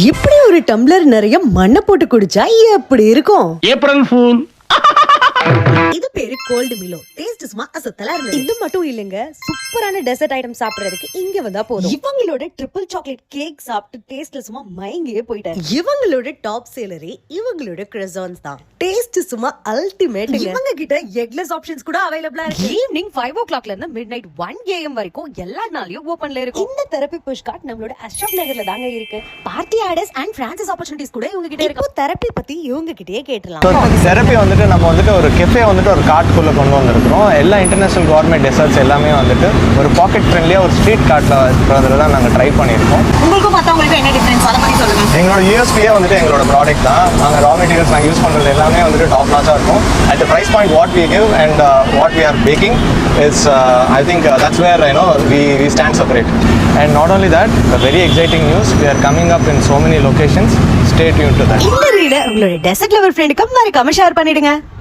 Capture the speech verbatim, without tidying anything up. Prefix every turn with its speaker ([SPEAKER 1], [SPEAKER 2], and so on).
[SPEAKER 1] இப்படி ஒரு டம்ளர் நிறைய மண்ணை போட்டு குடிச்சா எப்படி இருக்கும்?
[SPEAKER 2] April fool.
[SPEAKER 1] இது பேரு கோல்டு மிலோ. டேஸ்ட் சும்மா அசத்தலா இருக்கு. இது மட்டும் இல்லங்க, சூப்பரான டெசர்ட் ஐட்டம் சாப்பிடுறதுக்கு இங்க வந்தா போதும். இவங்களோட ட்ரிபிள் சாக்லேட் கேக் சாப்பிட்டு டேஸ்ட்ல சும்மா மயங்கியே போயிட்டாங்க. இவங்களோட டாப் சேலரி இவங்களோட கிரசான்ஸ் தான். டேஸ்ட் சும்மா அல்டிமேட். இவங்க கிட்ட எக்லெஸ் ஆப்ஷன்ஸ் கூட அவைலபிளா இருக்கு. ஈவினிங் ஃபைவ் ஓ கிளாக்ல இருந்து மிட் நைட் ஒன் ஏஎம் வரைக்கும் எல்லா நாளையும் ஓபன்ல இருக்கும். இந்த தெரப்பி புஷ் கார்ட் நம்மளோட அஷ்ரப் நகர்ல தாங்க இருக்கு. Party orders and franchise opportunities கூட இவங்க கிட்ட இருக்கு. தெரப்பி பத்தி இவங்க கிட்டயே கேட்டலாம்.
[SPEAKER 3] தெரப்பி வந்துட்டு நம்ம வந்துட்டு ஒரு கெஃபே வந்துட்டு ஒரு கார்ட்குள்ளே கொண்டு வந்திருக்கிறோம். எல்லா இன்டர்நேஷனல் கவர்மெண்ட் டெசர்ட்ஸ் எல்லாமே வந்துட்டு ஒரு பாக்கெட் ஃப்ரெண்ட்லியாக ஒரு ஸ்ட்ரீட் கார்ட்டில் இருக்கிறதுல தான் நாங்கள் ட்ரை பண்ணியிருக்கோம்.
[SPEAKER 1] உங்களுக்கும் மற்றவங்களுக்கு என்ன டிஃபரன்ஸ் அதை பற்றி சொல்லுங்கள்.
[SPEAKER 3] எங்களோட யூஎஸ்பியே வந்துட்டு எங்களோட ப்ராடக்ட் தான். நாங்கள் ரா மெட்டீரியல்ஸ் நாங்கள் யூஸ் பண்ணுறது எல்லாமே வந்துட்டு டாப் நாச்சாக இருக்கும். At the price point what we give and what we are packing is I think that's where I know we we stand separate. And not only that, very exciting news, we are coming up in so many locations. Stay tuned to that.
[SPEAKER 1] இந்த ரீடை உங்களோட dessert lower ஃப்ரெண்டுக்கு மறக்காம share பண்ணிடுங்க.